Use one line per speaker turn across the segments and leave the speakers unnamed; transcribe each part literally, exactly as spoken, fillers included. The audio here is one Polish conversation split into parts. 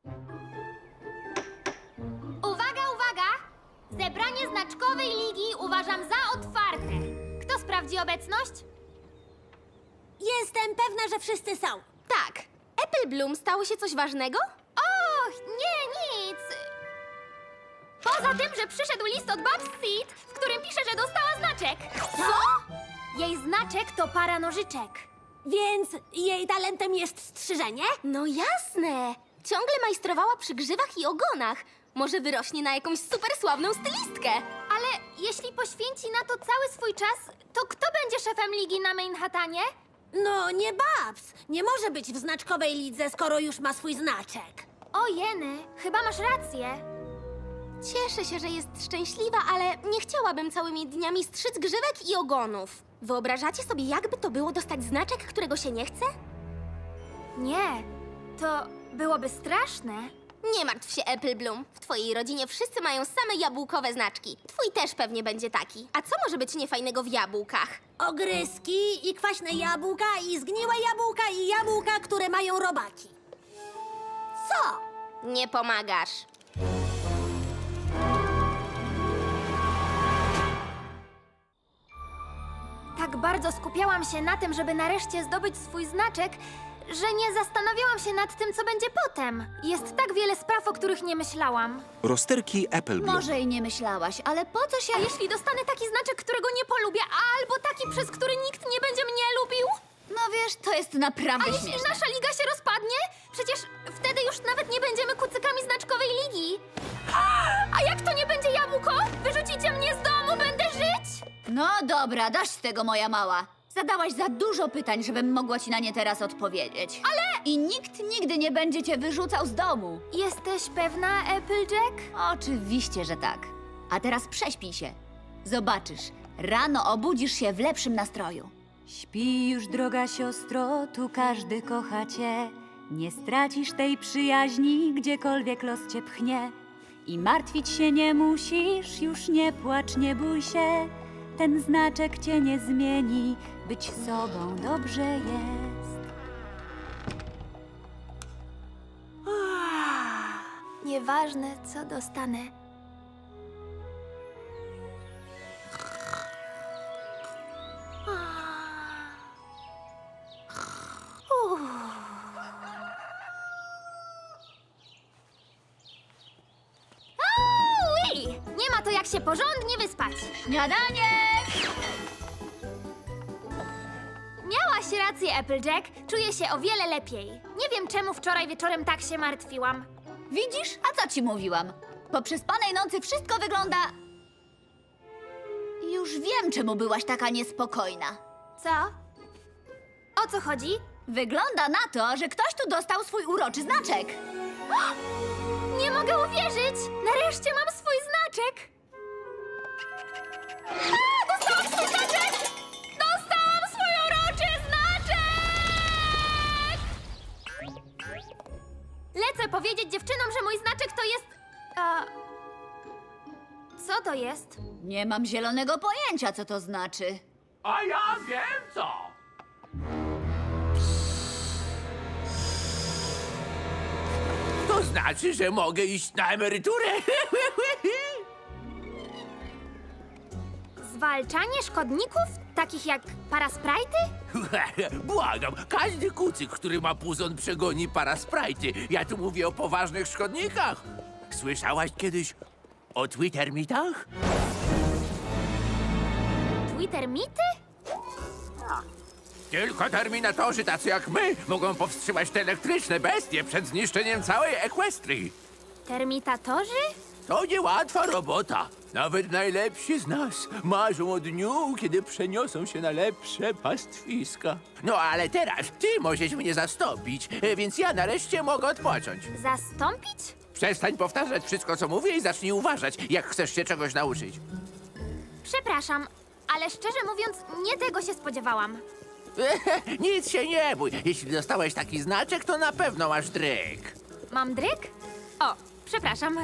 Uwaga, uwaga! Zebranie znaczkowej ligi uważam za otwarte. Kto sprawdzi obecność?
Jestem pewna, że wszyscy są.
Tak. Apple Bloom stało się coś ważnego?
Och, nie, nic. Poza tym, że przyszedł list od Babs Seed, w którym pisze, że dostała znaczek.
Co?
Jej znaczek to para nożyczek.
Więc jej talentem jest strzyżenie?
No jasne. Ciągle majstrowała przy grzywach i ogonach. Może wyrośnie na jakąś supersławną stylistkę.
Ale jeśli poświęci na to cały swój czas, to kto będzie szefem ligi na Manhattanie?
No, nie Babs. Nie może być w znaczkowej lidze, skoro już ma swój znaczek.
O jeny, chyba masz rację.
Cieszę się, że jest szczęśliwa, ale nie chciałabym całymi dniami strzyc grzywek i ogonów. Wyobrażacie sobie, jakby to było dostać znaczek, którego się nie chce?
Nie, to byłoby straszne.
Nie martw się, Apple Bloom. W twojej rodzinie wszyscy mają same jabłkowe znaczki. Twój też pewnie będzie taki. A co może być niefajnego w jabłkach?
Ogryski i kwaśne jabłka i zgniłe jabłka i jabłka, które mają robaki. Co?
Nie pomagasz.
Tak bardzo skupiałam się na tym, żeby nareszcie zdobyć swój znaczek, że nie zastanawiałam się nad tym, co będzie potem. Jest tak wiele spraw, o których nie myślałam.
Rozterki Apple Bloom.
Może i nie myślałaś, ale po co się...
A jeśli dostanę taki znaczek, którego nie polubię, albo taki, przez który nikt nie będzie mnie lubił?
No wiesz, to jest naprawdę
A jeśli
śmieszne.
nasza liga się rozpadnie? Przecież wtedy już nawet nie będziemy kucykami znaczkowej ligi. A jak to nie będzie jabłko? Wyrzucicie mnie z domu, będę żyć?
No dobra, dość tego, moja mała. Zadałaś za dużo pytań, żebym mogła ci na nie teraz odpowiedzieć. Ale... I nikt nigdy nie będzie cię wyrzucał z domu.
Jesteś pewna, Applejack?
Oczywiście, że tak. A teraz prześpij się. Zobaczysz, rano obudzisz się w lepszym nastroju.
Śpi już, droga siostro, tu każdy kocha cię. Nie stracisz tej przyjaźni, gdziekolwiek los cię pchnie. I martwić się nie musisz, już nie płacz, nie bój się. Ten znaczek cię nie zmieni, być sobą dobrze jest.
Nieważne, co dostanę. Ui! Nie ma to jak się porządnie wyspać.
Śniadanie!
Miałaś rację, Applejack. Czuję się o wiele lepiej. Nie wiem, czemu wczoraj wieczorem tak się martwiłam.
Widzisz? A co ci mówiłam? Po przespanej nocy wszystko wygląda... Już wiem, czemu byłaś taka niespokojna.
Co? O co chodzi?
Wygląda na to, że ktoś tu dostał swój uroczy znaczek.
Nie mogę uwierzyć! Nareszcie mam swój znaczek! A, dostałam swój znaczek! Dostałam swój uroczy znaczek! Lecę powiedzieć dziewczynom, że mój znaczek to jest... A... Co to jest?
Nie mam zielonego pojęcia, co to znaczy.
A ja wiem co! To znaczy, że mogę iść na emeryturę.
Zwalczanie szkodników? Takich jak parasprajty?
Błagam, każdy kucyk, który ma puzon, przegoni parasprajty. Ja tu mówię o poważnych szkodnikach. Słyszałaś kiedyś o Twittermitach?
Twittermity?
Tylko terminatorzy tacy jak my mogą powstrzymać te elektryczne bestie przed zniszczeniem całej Equestrii.
Termitatorzy?
To niełatwa robota. Nawet najlepsi z nas marzą o dniu, kiedy przeniosą się na lepsze pastwiska. No ale teraz ty możesz mnie zastąpić, e, więc ja nareszcie mogę odpocząć.
Zastąpić?
Przestań powtarzać wszystko, co mówię i zacznij uważać, jak chcesz się czegoś nauczyć.
Przepraszam, ale szczerze mówiąc, nie tego się spodziewałam.
Nic się nie bój. Jeśli dostałeś taki znaczek, to na pewno masz dryk.
Mam dryk? O, przepraszam.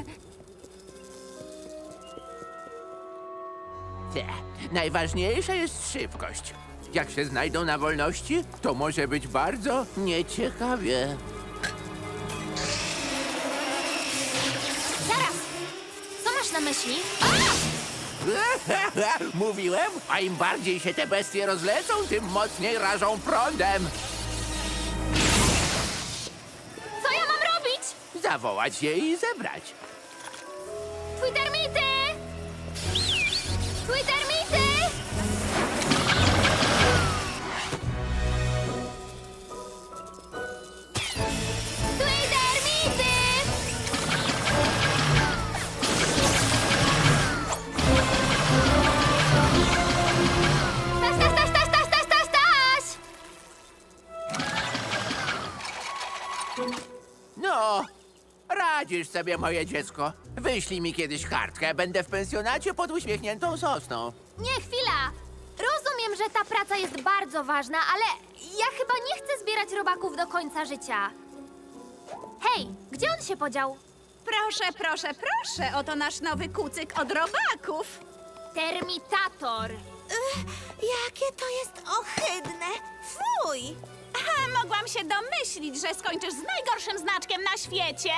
Te, najważniejsza jest szybkość. Jak się znajdą na wolności, to może być bardzo nieciekawie.
na myśli?
Mówiłem, a im bardziej się te bestie rozlecą, tym mocniej rażą prądem.
Co ja mam robić?
Zawołać je i zebrać.
Twittermity! Twittermity! Twittermity! Staś, staś, staś, staś, staś, staś, staś, staś!
No, radzisz sobie, moje dziecko. Wyślij mi kiedyś kartkę, będę w pensjonacie pod uśmiechniętą sosną.
Nie, chwila! Rozumiem, że ta praca jest bardzo ważna, ale ja chyba nie chcę zbierać robaków do końca życia. Hej, gdzie on się podział?
Proszę, proszę, proszę, oto nasz nowy kucyk od robaków.
Termitator!
Jakie to jest ohydne! Fuj!
Aha, mogłam się domyślić, że skończysz z najgorszym znaczkiem na świecie.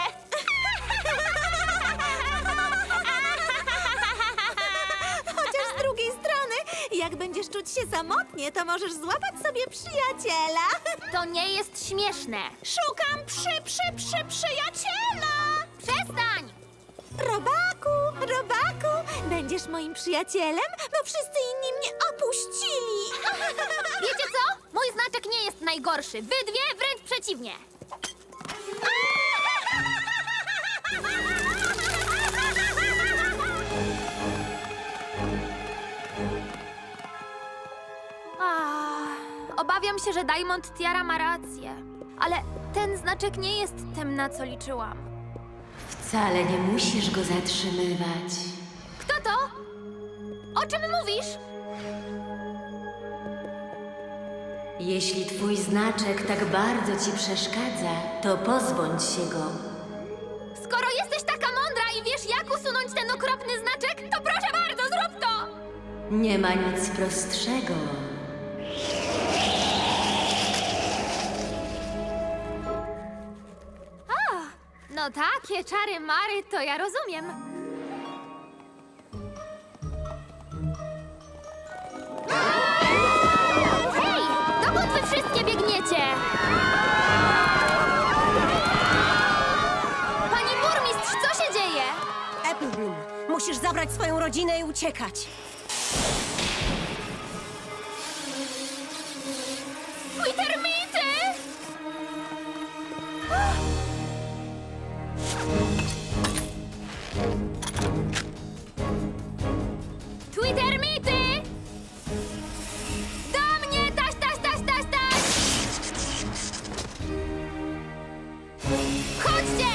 Chociaż z drugiej strony, jak będziesz czuć się samotnie, to możesz złapać sobie przyjaciela.
To nie jest śmieszne.
Szukam przy, przy, przy przyjaciela.
Przestań!
Robaku, robaku, będziesz moim przyjacielem, bo wszyscy inni mnie opuścili.
Wiecie co? Mój znaczek nie jest najgorszy. Wy dwie wręcz przeciwnie. Ah, obawiam się, że Diamond Tiara ma rację. Ale ten znaczek nie jest tym, na co liczyłam.
Wcale nie musisz go zatrzymywać.
Kto to? O czym mówisz?
Jeśli twój znaczek tak bardzo ci przeszkadza, to pozbądź się go.
Skoro jesteś taka mądra i wiesz, jak usunąć ten okropny znaczek, to proszę bardzo, zrób to!
Nie ma nic prostszego.
No takie czary mary, to ja rozumiem. Hej, dokąd wy wszystkie biegniecie? Pani burmistrz, co się dzieje?
Applebloom, musisz zabrać swoją rodzinę i uciekać.
Twój termity! Twittermity! Do mnie! Taś, taś, taś, taś, taś! Chodźcie!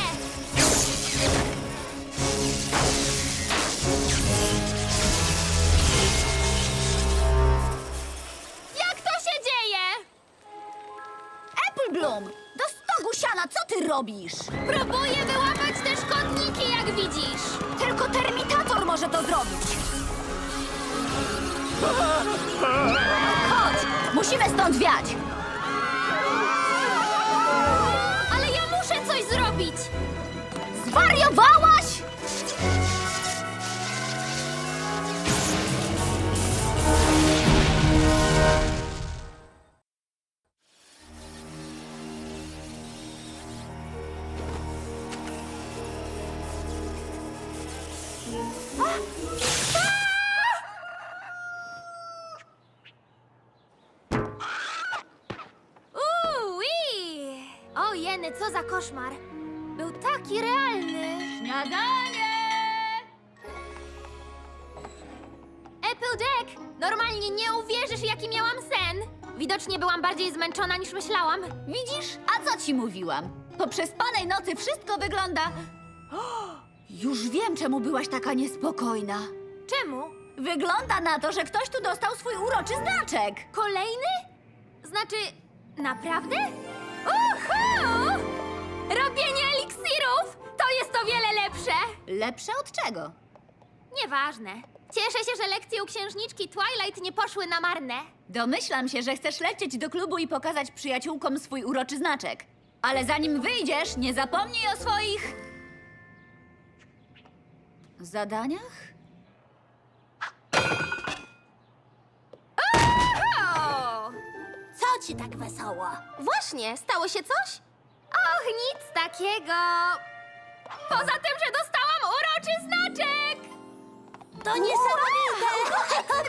Jak to się dzieje?
Applebloom, do stogu siana, co ty robisz?
Próbuję wyłapać te szkodniki, jak widzisz.
Tylko termitator może to zrobić. Chodź, musimy stąd wiać.
Ale ja muszę coś zrobić.
Zwariowałaś?
Uuu, o jeny, co za koszmar. Był taki realny.
Śniadanie!
Applejack, normalnie nie uwierzysz, jaki miałam sen. Widocznie byłam bardziej zmęczona niż myślałam.
Widzisz? A co ci mówiłam? Po przespanej nocy wszystko wygląda... O, już wiem, czemu byłaś taka niespokojna.
Czemu?
Wygląda na to, że ktoś tu dostał swój uroczy znaczek.
Kolejny? Znaczy, naprawdę? Uhu! Robienie eliksirów! To jest o wiele lepsze!
Lepsze od czego?
Nieważne. Cieszę się, że lekcje u księżniczki Twilight nie poszły na marne.
Domyślam się, że chcesz lecieć do klubu i pokazać przyjaciółkom swój uroczy znaczek. Ale zanim wyjdziesz, nie zapomnij o swoich... zadaniach?
O!
Co ci tak wesoło?
Właśnie, stało się coś?
Och, nic takiego. Poza tym, że dostałam uroczy znaczek.
To niesamowite!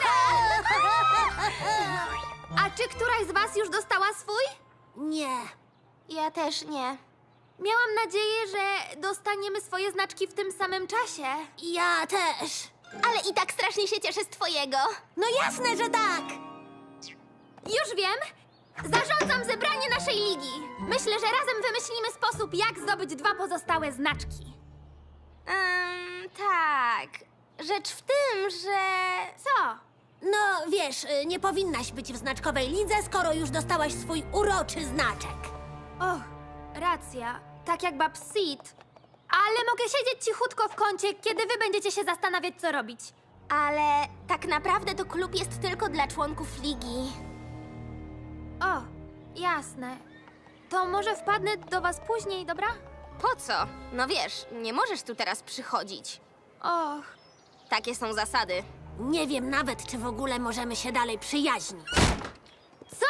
A czy któraś z was już dostała swój?
Nie.
Ja też nie.
Miałam nadzieję, że dostaniemy swoje znaczki w tym samym czasie.
Ja też.
Ale i tak strasznie się cieszę z twojego.
No jasne, że tak.
Już wiem. Zarządzam zebranie naszej ligi. Myślę, że razem wymyślimy sposób, jak zdobyć dwa pozostałe znaczki.
Um, tak. Rzecz w tym, że...
Co?
No wiesz, y, nie powinnaś być w znaczkowej lidze, skoro już dostałaś swój uroczy znaczek.
Och, racja. Tak jak bab Sid. Ale mogę siedzieć cichutko w kącie, kiedy wy będziecie się zastanawiać, co robić.
Ale tak naprawdę to klub jest tylko dla członków ligi.
O, jasne. To może wpadnę do was później, dobra?
Po co? No wiesz, nie możesz tu teraz przychodzić.
Och,
Takie są zasady.
Nie wiem nawet, czy w ogóle możemy się dalej przyjaźnić.
co?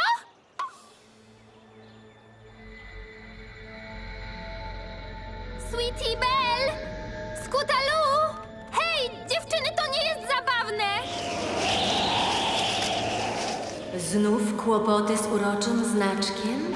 Sweetie Belle! Scootaloo! Hej, dziewczyny, to nie jest zabawne!
Znów kłopoty z uroczym znaczkiem?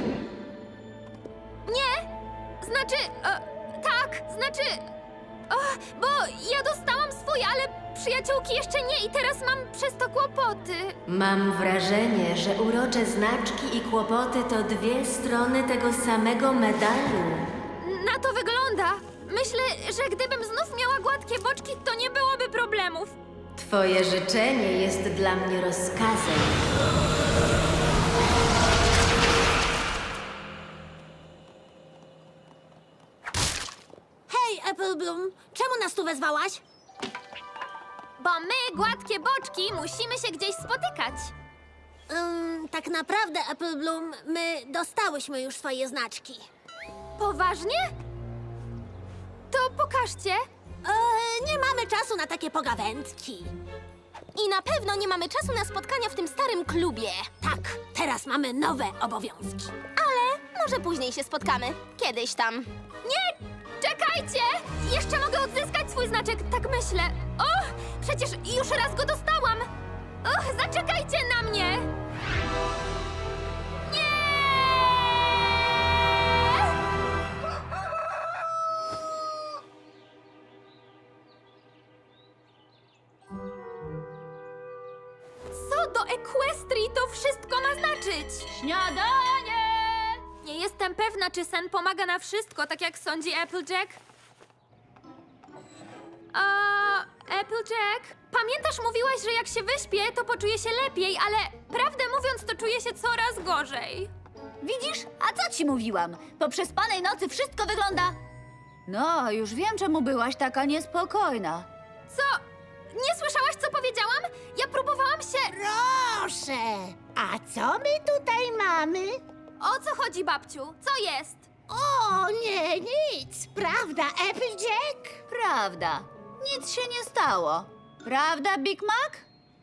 Nie! Znaczy, e, tak, znaczy... O, bo ja dostałam swój, ale przyjaciółki jeszcze nie i teraz mam przez to kłopoty.
Mam wrażenie, że urocze znaczki i kłopoty to dwie strony tego samego medalu.
Na to wygląda. Myślę, że gdybym znów miała gładkie boczki, to nie byłoby problemów.
Twoje życzenie jest dla mnie rozkazem.
Hej, Apple Bloom, czemu nas tu wezwałaś?
Bo my, gładkie boczki, musimy się gdzieś spotykać.
Ym, tak naprawdę, Apple Bloom, my dostałyśmy już swoje znaczki.
Poważnie? To pokażcie.
E, nie mamy czasu na takie pogawędki.
I na pewno nie mamy czasu na spotkania w tym starym klubie.
Tak, teraz mamy nowe obowiązki.
Ale może później się spotkamy. Kiedyś tam.
Nie! Czekajcie! Jeszcze mogę odzyskać swój znaczek, tak myślę. O! Przecież już raz go dostałam! Och, zaczekajcie na mnie! Nie! Co do Equestrii to wszystko ma znaczyć?
Śniadanie!
Nie jestem pewna, czy sen pomaga na wszystko, tak jak sądzi Applejack. A, Applejack, pamiętasz, mówiłaś, że jak się wyśpię, to poczuję się lepiej, ale prawdę mówiąc, to czuję się coraz gorzej.
Widzisz? A co ci mówiłam? Po przespanej nocy wszystko wygląda... No, już wiem, czemu byłaś taka niespokojna.
Co? Nie słyszałaś, co powiedziałam? Ja próbowałam się...
Proszę, a co my tutaj mamy?
O co chodzi, babciu? Co jest?
O, nie, nic. Prawda, Applejack?
Prawda. Nic się nie stało. Prawda, Big Mac?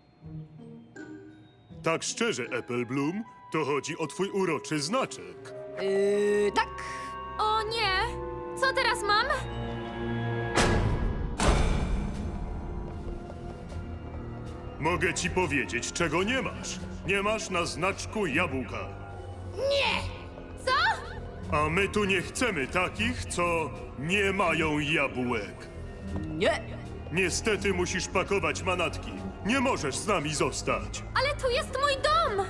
Tak szczerze, Apple Bloom, to chodzi o twój uroczy znaczek.
Yy, tak.
O nie! Co teraz mam?
Mogę ci powiedzieć, czego nie masz. Nie masz na znaczku jabłka.
Co?
A my tu nie chcemy takich, co nie mają jabłek.
Nie.
Niestety musisz pakować manatki. Nie możesz z nami zostać.
Ale tu jest mój dom!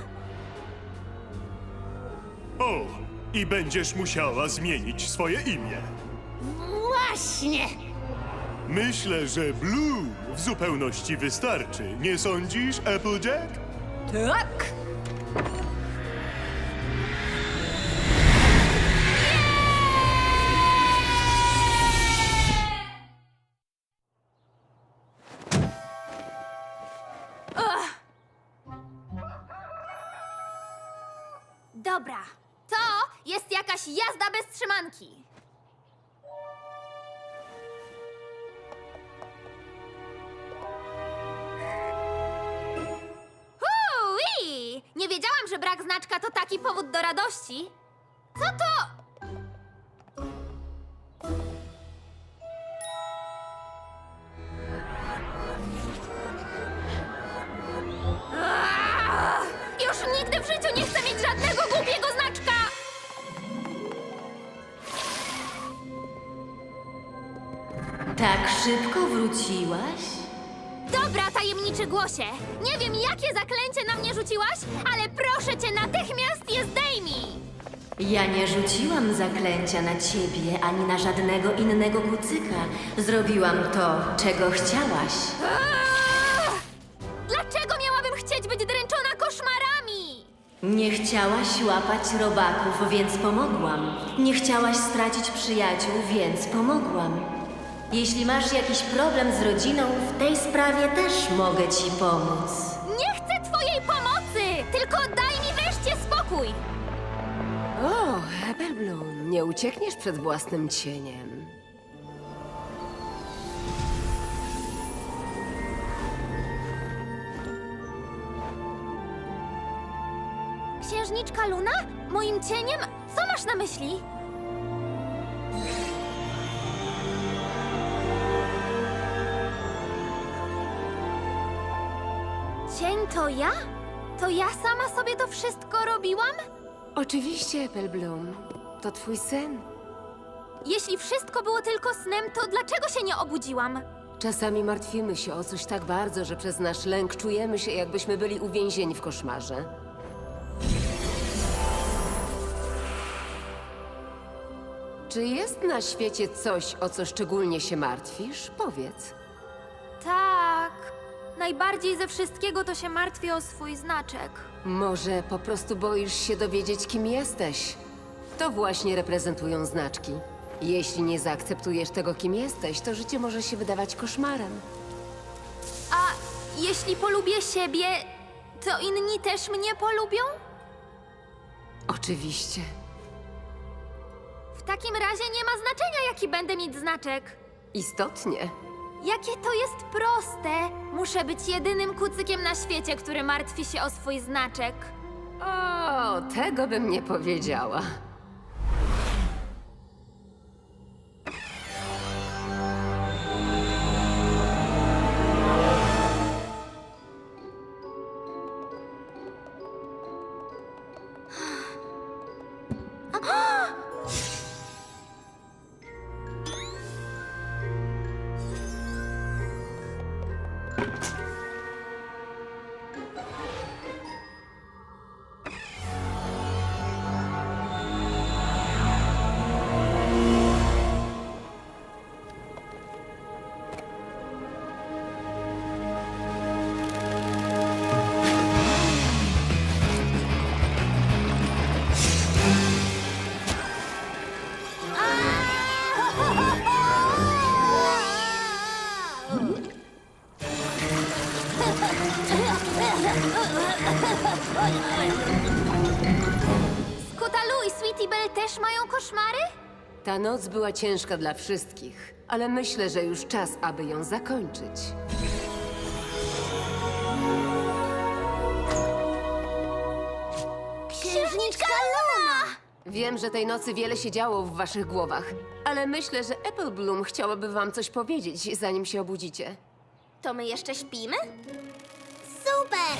O, i będziesz musiała zmienić swoje imię.
Właśnie.
Myślę, że Blue w zupełności wystarczy. Nie sądzisz, Applejack?
Tak.
Dobra, to jest jakaś jazda bez trzymanki. znaczka to taki powód do radości? Co to? Aaa! Już nigdy w życiu nie chcę mieć żadnego głupiego znaczka!
Tak szybko wróciłaś?
Dobra, tajemniczy głosie. Nie wiem, jakie zaklęcie na mnie rzuciłaś, ale proszę cię, natychmiast je zdejmij!
Ja nie rzuciłam zaklęcia na ciebie ani na żadnego innego kucyka. Zrobiłam to, czego chciałaś.
Aaa! Dlaczego miałabym chcieć być dręczona koszmarami?
Nie chciałaś łapać robaków, więc pomogłam. Nie chciałaś stracić przyjaciół, więc pomogłam. Jeśli masz jakiś problem z rodziną, w tej sprawie też mogę ci pomóc.
Nie chcę twojej pomocy! Tylko daj mi wreszcie spokój!
O, Applebloom, nie uciekniesz przed własnym cieniem.
Księżniczka Luna? Moim cieniem? Co masz na myśli? Cień to ja? To ja sama sobie to wszystko robiłam?
Oczywiście, Applebloom, to twój sen.
Jeśli wszystko było tylko snem, to dlaczego się nie obudziłam?
Czasami martwimy się o coś tak bardzo, że przez nasz lęk czujemy się, jakbyśmy byli uwięzieni w koszmarze. Czy jest na świecie coś, o co szczególnie się martwisz? Powiedz.
Tak. Najbardziej ze wszystkiego to się martwię o swój znaczek.
Może po prostu boisz się dowiedzieć, kim jesteś? To właśnie reprezentują znaczki. Jeśli nie zaakceptujesz tego, kim jesteś, to życie może się wydawać koszmarem.
A jeśli polubię siebie, to inni też mnie polubią?
Oczywiście.
W takim razie nie ma znaczenia, jaki będę mieć znaczek.
Istotnie.
Jakie to jest proste! Muszę być jedynym kucykiem na świecie, który martwi się o swój znaczek.
O, tego bym nie powiedziała.
Skutalu i Sweetie Belle też mają koszmary?
Ta noc była ciężka dla wszystkich, ale myślę, że już czas, aby ją zakończyć.
Księżniczka Luna!
Wiem, że tej nocy wiele się działo w waszych głowach, ale myślę, że Applebloom chciałaby wam coś powiedzieć, zanim się obudzicie.
To my jeszcze śpimy?
Super!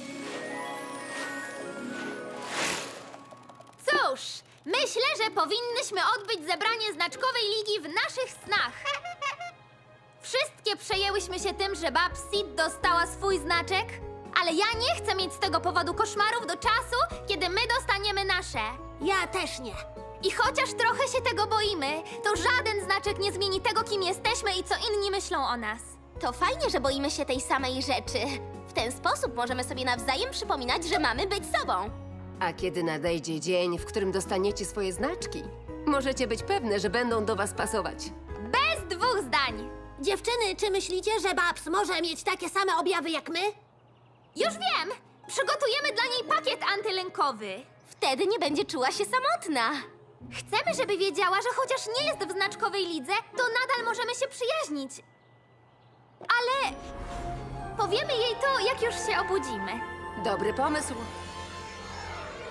Cóż, myślę, że powinnyśmy odbyć zebranie znaczkowej ligi w naszych snach. Wszystkie przejęłyśmy się tym, że Babsit dostała swój znaczek, ale ja nie chcę mieć z tego powodu koszmarów do czasu, kiedy my dostaniemy nasze.
Ja też nie.
I chociaż trochę się tego boimy, to żaden znaczek nie zmieni tego, kim jesteśmy i co inni myślą o nas.
To fajnie, że boimy się tej samej rzeczy. W ten sposób możemy sobie nawzajem przypominać, że mamy być sobą.
A kiedy nadejdzie dzień, w którym dostaniecie swoje znaczki, możecie być pewne, że będą do was pasować.
Bez dwóch zdań.
Dziewczyny, czy myślicie, że Babs może mieć takie same objawy jak my?
Już wiem! Przygotujemy dla niej pakiet antylękowy.
Wtedy nie będzie czuła się samotna.
Chcemy, żeby wiedziała, że chociaż nie jest w znaczkowej lidze, to nadal możemy się przyjaźnić. Ale powiemy jej to, jak już się obudzimy.
Dobry pomysł.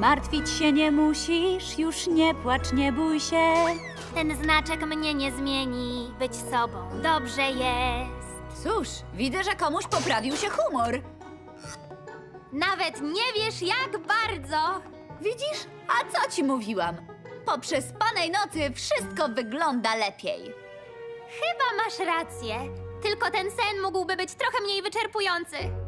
Martwić się nie musisz, już nie płacz, nie bój się.
Ten znaczek mnie nie zmieni, być sobą dobrze jest.
Cóż, widzę, że komuś poprawił się humor.
Nawet nie wiesz jak bardzo.
Widzisz? A co ci mówiłam? Po przespanej nocy wszystko wygląda lepiej.
Chyba masz rację. Tylko ten sen mógłby być trochę mniej wyczerpujący.